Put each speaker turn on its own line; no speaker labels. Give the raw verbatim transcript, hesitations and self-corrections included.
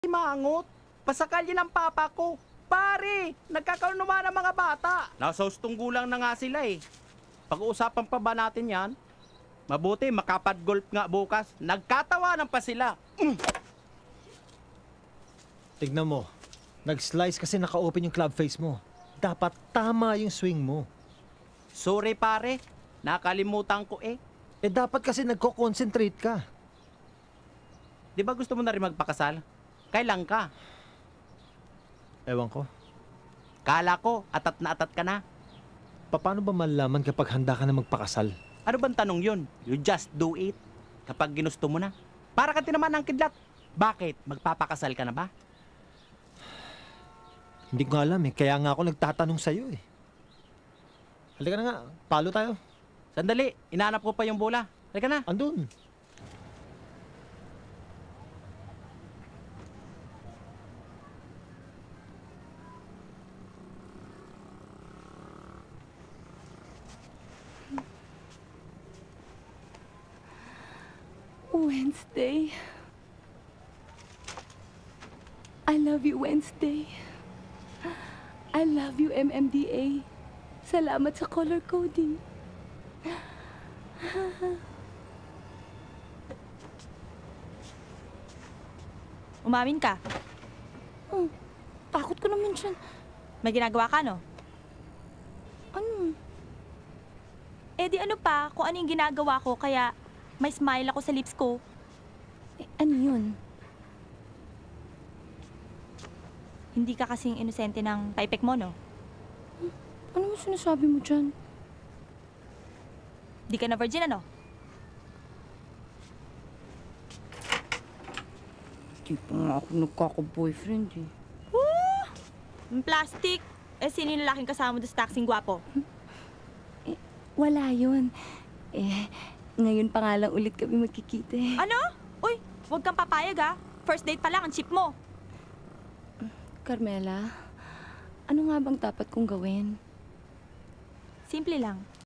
Mangot, pasakal yun ang papa ko. Pare, nagkakaroon naman ng mga bata. Nasa hustong gulang na nga sila eh. Pag-uusapan pa ba natin yan? Mabuti, makapad-golf nga bukas. Nagkatawanan pa sila. Mm.
Tignan mo, nag-slice kasi naka-open yung club face mo. Dapat tama yung swing mo.
Sorry pare, nakalimutan ko eh.
Eh dapat kasi nagko-concentrate ka.
Di ba gusto mo na rin magpakasal? Kailan ka?
Ewan ko.
Kala ko, atat na atat ka na.
Paano ba malaman kapag handa ka na magpakasal?
Ano bang tanong yun? You just do it. Kapag ginusto mo na. Para ka tinaman ng kidlat. Bakit? Magpapakasal ka na ba?
Hindi ko alam eh. Kaya nga ako nagtatanong sa'yo eh. Halika na nga. Palo tayo.
Sandali, inaanap ko pa yung bola. Halika na.
Andun.
Wednesday. I love you, Wednesday. I love you, M M D A. Salamat sa color coding.
Umamin ka.
Oh, takot ko naman siya.
May ginagawa ka, no?
Ano?
Eh di ano pa, kung ano yung ginagawa ko, kaya may smile ako sa lips ko.
Eh, ano yun?
Hindi ka kasing inosente ng paipek mo, no?
Ano mo sinasabi mo dyan?
Di ka na virgin, ano?
Di pa nga ako nagkaka-boyfriend eh.
Woo! Yung plastic. Eh, sino yung lalaking kasama mo doon sa taxing gwapo?
Eh, wala yun. Eh, ngayon pa nga lang ulit kami magkikita eh.
Ano? Uy, huwag kang papayag, ha? First date pa lang, ang cheap mo.
Carmela, ano nga bang dapat kong gawin?
Simple lang.